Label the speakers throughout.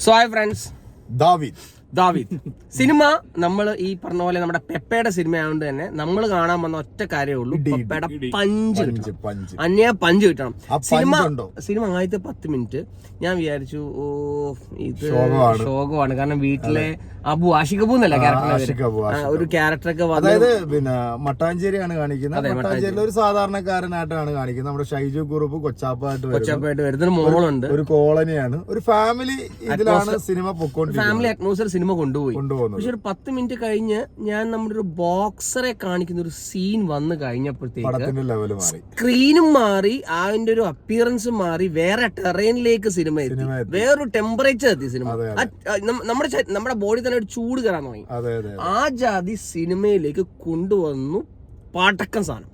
Speaker 1: So hi friends, Daveed cinema നമ്മൾ ഈ പറഞ്ഞ പോലെ നമ്മുടെ പെപ്പയുടെ സിനിമ ആയതുകൊണ്ട് തന്നെ നമ്മൾ കാണാൻ വന്ന ഒറ്റ കാര്യമേ ഉള്ളൂ, പെപ്പയുടെ പഞ്ച് കിട്ടണം. സിനിമ ആദ്യത്തെ 10 മിനിറ്റ് ഞാൻ വിചാരിച്ചു ഇത് ശോകമാണ്. കാരണം വീട്ടിലെ ആഷിഖ് അബു എന്നല്ല ഒരു ക്യാരക്ടറൊക്കെ
Speaker 2: അതായത് പിന്നെ മട്ടാഞ്ചേരിയാണ് കാണിക്കുന്നത്. മട്ടാഞ്ചേരിയിൽ ഒരു സാധാരണക്കാരനായിട്ടാണ് കാണിക്കുന്നത്. നമ്മുടെ ഷൈജു കുറുപ്പ് കൊച്ചാപ്പായിട്ട് വരുന്ന മോളുണ്ട്. ഒരു കോളനിയാണ്, ഒരു ഫാമിലി ഇതിലാണ് സിനിമ പൊക്കോണ്ടിരിക്കുന്നത്.
Speaker 1: ഫാമിലി അറ്റ്മോസ്ഫിയർ സിനിമ കൊണ്ടുപോയി. പക്ഷെ ഒരു 10 മിനിറ്റ് കഴിഞ്ഞ് ഞാൻ നമ്മുടെ ഒരു ബോക്സറെ കാണിക്കുന്ന ഒരു സീൻ വന്നു കഴിഞ്ഞപ്പോഴത്തേക്ക് സ്ക്രീനും മാറി, അതിന്റെ ഒരു അപ്പിയറൻസ് മാറി, വേറെ ടെറൈനിലേക്ക് സിനിമ എത്തി, വേറൊരു ടെമ്പറേച്ചർ എത്തി സിനിമ. നമ്മുടെ ബോഡി തന്നെ ഒരു ചൂട് കയറാൻ തുടങ്ങി. ആ ജാതി സിനിമയിലേക്ക് കൊണ്ടുവന്നു പാട്ടക്കൻ സാധനം.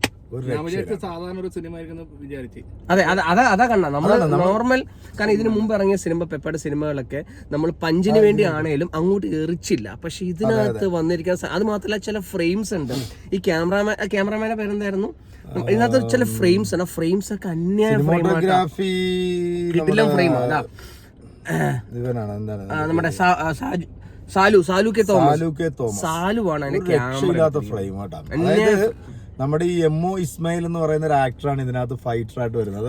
Speaker 1: അതെ, അതാ കണ്ട നമ്മള് നോർമൽ. കാരണം ഇതിനു മുമ്പ് ഇറങ്ങിയ സിനിമ, പെപ്പയുടെ സിനിമകളൊക്കെ നമ്മൾ പഞ്ചിന് വേണ്ടി ആണേലും അങ്ങോട്ട് എറിച്ചില്ല. പക്ഷെ ഇതിനകത്ത് വന്നിരിക്കുന്ന അത് മാത്രമല്ല, ചില ഫ്രെയിംസ് ഉണ്ട്. ഈ ക്യാമറമാന്റെ പേരെന്തായിരുന്നു? ഇതിനകത്ത് ചില ഫ്രെയിംസ് ആണ്. ഫ്രെയിംസ് ഒക്കെ അന്യായ ഫ്രെയിം. അതാ നമ്മുടെ സാലുവാണ് അതിന്റെ ക്യാമറ.
Speaker 2: നമ്മുടെ ഈ എമ്മോ ഇസ്മായിൽ എന്ന് പറയുന്ന ഒരു ആക്ടറാണ് ഇതിനകത്ത് ഫൈറ്റർ ആയിട്ട് വരുന്നത്.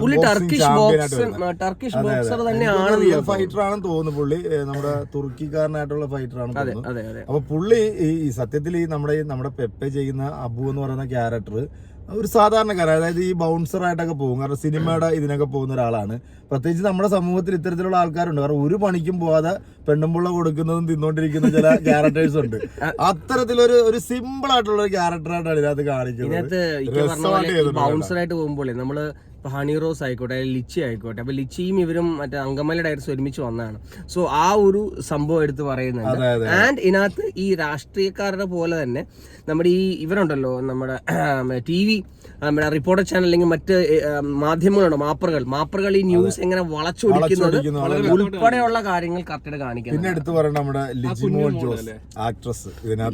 Speaker 2: ഫൈറ്റർ ആണെന്ന് തോന്നുന്നു പുള്ളി. നമ്മുടെ തുർക്കിക്കാരനായിട്ടുള്ള ഫൈറ്റർ ആണെന്ന് തോന്നുന്നു. അപ്പൊ പുള്ളി ഈ സത്യത്തിൽ ഈ നമ്മുടെ പെപ്പെ ചെയ്യുന്ന അബു എന്ന് പറയുന്ന ക്യാരക്ടർ ഒരു സാധാരണക്കാരൻ, അതായത് ഈ ബൗൺസർ ആയിട്ടൊക്കെ പോകും. കാരണം സിനിമയുടെ ഇതിനൊക്കെ പോകുന്ന ഒരാളാണ്. പ്രത്യേകിച്ച് നമ്മുടെ സമൂഹത്തിൽ ഇത്തരത്തിലുള്ള ആൾക്കാരുണ്ട്. കാരണം ഒരു പണിക്കും പോവാതെ പെണ്ണുമ്പുള്ള കൊടുക്കുന്നതും തിന്നോണ്ടിരിക്കുന്ന ചില ക്യാരക്ടേഴ്സ് ഉണ്ട്. അത്തരത്തിലൊരു സിമ്പിൾ ആയിട്ടുള്ള ഒരു ക്യാരക്ടറായിട്ടാണ് ഇതിനകത്ത് കാണിക്കുന്നത്.
Speaker 1: ബൗൺസർ ആയിട്ട് പോകുമ്പോൾ നമ്മള് ഹണി റോസ് ആയിക്കോട്ടെ, ലിച്ചി ആയിക്കോട്ടെ, അപ്പൊ ലിച്ചിയും ഇവരും മറ്റേ അങ്കമാലി ഡയറക്ടേഴ്സ് ഒരുമിച്ച് വന്നതാണ്. സോ ആ ഒരു സംഭവം എടുത്ത് പറയുന്നുണ്ട്. ആൻഡ് ഇതിനകത്ത് ഈ രാഷ്ട്രീയക്കാരുടെ പോലെ തന്നെ നമ്മുടെ ഈ ഇവരുണ്ടല്ലോ, നമ്മുടെ TV, നമ്മുടെ റിപ്പോർട്ടർ ചാനൽ അല്ലെങ്കിൽ മറ്റ് മാധ്യമങ്ങളുണ്ട്, മാപ്പറുകൾ ഈ ന്യൂസ് എങ്ങനെ വളച്ചൊടിക്കുന്നത് ഉൾപ്പെടെയുള്ള കാര്യങ്ങൾ കറക്റ്റ് കാണിക്കുന്നത്.
Speaker 2: പിന്നെ എടുത്തു പറയണം നമ്മുടെ ആക്ട്രസ്,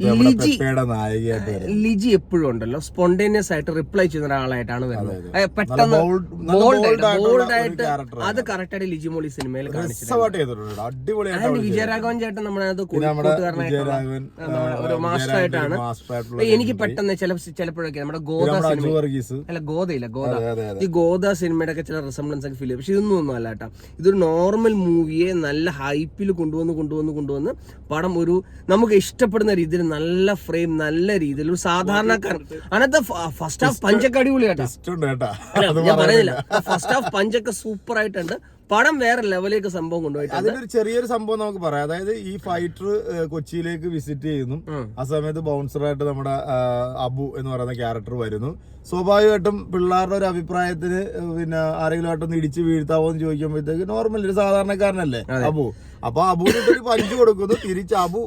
Speaker 1: ലിജി എപ്പോഴും ഉണ്ടല്ലോ സ്പോണ്ടേനിയസ് ആയിട്ട് റിപ്ലൈ ചെയ്യുന്ന ഒരാളായിട്ടാണ് വരുന്നത്. പെട്ടെന്ന് ബോൾഡായിട്ട് അത് കറക്റ്റ് ആയിട്ട് ലിജി മോളി സിനിമയിൽ കാണിച്ചിട്ടുണ്ട്. വിജയരാഘവൻ ചേട്ടൻ നമ്മുടെ ഒരു മാസ്റ്റർ ആയിട്ടാണ്. എനിക്ക് പെട്ടെന്ന് ചിലപ്പോഴൊക്കെ നമ്മുടെ ഈ ഗോദ സിനിമയുടെ ഒക്കെ ചില റിസംബ്ലൻസ് ഒക്കെ ഫീൽ ചെയ്യും. പക്ഷെ ഇതൊന്നും ഒന്നും അല്ല കേട്ടോ. ഇതൊരു നോർമൽ മൂവിയെ നല്ല ഹൈപ്പിൽ കൊണ്ടുവന്ന് പടം ഒരു നമുക്ക് ഇഷ്ടപ്പെടുന്ന രീതിയിൽ നല്ല ഫ്രെയിം, നല്ല രീതിയിൽ ഒരു സാധാരണക്കാരൻ. അതിനകത്ത് ഫസ്റ്റ് ഹാഫ് പഞ്ചൊക്കെ അടിപൊളി കേട്ടോ. ഞാൻ പറയുന്നില്ല, ഫസ്റ്റ് ഹാഫ് പഞ്ചൊക്കെ സൂപ്പർ ആയിട്ടുണ്ട്. പടം വേറെ ലെവലിലേക്ക് സംഭവം കൊണ്ടുപോയിട്ട്
Speaker 2: അതിലൊരു ചെറിയൊരു സംഭവം നമുക്ക് പറയാം. അതായത് ഈ ഫൈറ്റർ കൊച്ചിയിലേക്ക് വിസിറ്റ് ചെയ്യുന്നു. ആ സമയത്ത് ബൗൺസറായിട്ട് നമ്മുടെ അബു എന്ന് പറയുന്ന ക്യാരക്ടർ വരുന്നു. സ്വാഭാവികമായിട്ടും പിള്ളേരുടെ ഒരു അഭിപ്രായത്തിന് പിന്നെ ആരെങ്കിലും ആയിട്ടൊന്ന് ഇടിച്ച് വീഴ്ത്താവോ എന്ന് ചോദിക്കുമ്പോഴത്തേക്ക് നോർമൽ ഒരു സാധാരണക്കാരനല്ലേ അബു. അപ്പൊ അബുവിന് ഒരു പഞ്ച് കൊടുക്കുന്നു. തിരിച്ച് അബു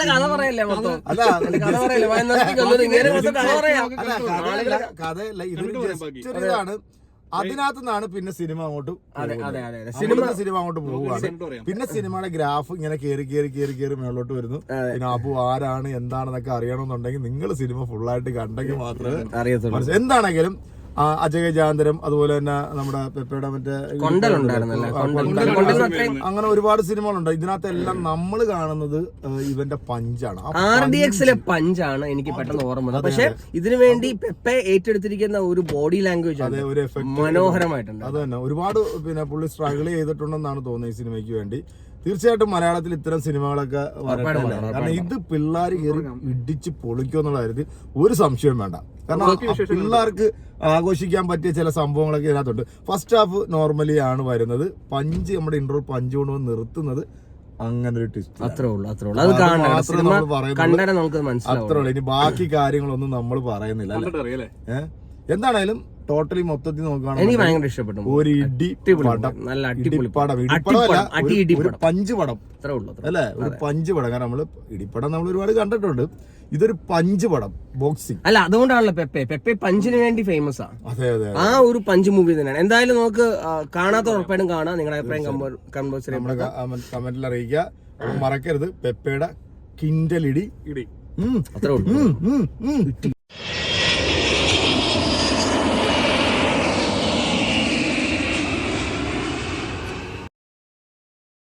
Speaker 2: കഥയല്ല, ഇതൊരു ജസ്റ്റ് ഇതാണ്. അതിനകത്ത് നിന്നാണ് പിന്നെ സിനിമ അങ്ങോട്ട് പോവുകയാണ്. പിന്നെ സിനിമയുടെ ഗ്രാഫ് ഇങ്ങനെ കേറി മേളോട്ട് വരുന്നു. പിന്നെ അബു ആരാണ് എന്താണെന്നൊക്കെ അറിയണമെന്നുണ്ടെങ്കിൽ നിങ്ങൾ സിനിമ ഫുള്ളായിട്ട് കണ്ടെങ്കിൽ മാത്രമേ അറിയത്തുള്ളൂ. എന്താണെങ്കിലും അജയജാന്തരം, അതുപോലെ തന്നെ നമ്മുടെ പെപ്പയുടെ മറ്റേ അങ്ങനെ ഒരുപാട് സിനിമകളുണ്ട്. ഇതിനകത്തെല്ലാം നമ്മൾ കാണുന്നത് ഇവന്റെ പഞ്ചാണ്.
Speaker 1: RDXലെ പഞ്ചാണ് എനിക്ക് പെട്ടെന്ന് ഓർമ്മ. പക്ഷെ ഇതിനു വേണ്ടി പെപ്പെ ഏറ്റെടുത്തിരിക്കുന്ന ഒരു ബോഡി ലാംഗ്വേജ്
Speaker 2: ഒരു എഫക്ട് മനോഹരമായിട്ടുണ്ട്. അത് തന്നെ ഒരുപാട് പിന്നെ പുള്ളി സ്ട്രഗിൾ ചെയ്തിട്ടുണ്ടെന്നാണ് തോന്നുന്നത് ഈ സിനിമയ്ക്ക് വേണ്ടി. തീർച്ചയായിട്ടും മലയാളത്തിൽ ഇത്തരം സിനിമകളൊക്കെ വരട്ടെ. കാരണം ഇത് പിള്ളേർ കയറി ഇടിച്ച് പൊളിക്കുമെന്നുള്ള കാര്യത്തിൽ ഒരു സംശയവും വേണ്ട. കാരണം പിള്ളേർക്ക് ആഘോഷിക്കാൻ പറ്റിയ ചില സംഭവങ്ങളൊക്കെ ഇതിനകത്തുണ്ട്. ഫസ്റ്റ് ഹാഫ് നോർമലി ആണ് വരുന്നത്. പഞ്ച് നമ്മുടെ ഇന്റർവൽ പഞ്ച് കൊണ്ടുവന്ന് നിർത്തുന്നത് അങ്ങനെ ഒരു ട്വിസ്റ്റ്.
Speaker 1: അത്രേ ഉള്ളൂ.
Speaker 2: ഇനി ബാക്കി കാര്യങ്ങളൊന്നും നമ്മൾ പറയുന്നില്ല. എന്തായാലും ടോട്ടലി മൊത്തത്തിൽ നോക്കുകയാണെങ്കിൽ
Speaker 1: എനിക്ക് ഭയങ്കര ഇഷ്ടപ്പെട്ടു.
Speaker 2: ഒരു പഞ്ച് പടം അല്ലെ, ഒരു പഞ്ച് പടം. കാരണം നമ്മള് ഇടിപ്പടം നമ്മൾ ഒരുപാട് കണ്ടിട്ടുണ്ട്. ഇതൊരു പഞ്ച് പടം, ബോക്സിംഗ്
Speaker 1: അല്ല. അതുകൊണ്ടാണല്ലോ പെപ്പെ പഞ്ചിന് വേണ്ടി ഫേമസ് ആണ്.
Speaker 2: അതെ അതെ,
Speaker 1: ആ ഒരു പഞ്ച് മൂവി തന്നെയാണ്. എന്തായാലും നമുക്ക് കാണാത്ത ഉറപ്പായിട്ടും കാണാം. നിങ്ങളുടെ അഭിപ്രായം
Speaker 2: കമന്റിൽ അറിയിക്കുക. മറക്കരുത് പെപ്പയുടെ കിൻഡലിടി.
Speaker 1: അത്രേ ഉള്ളൂ.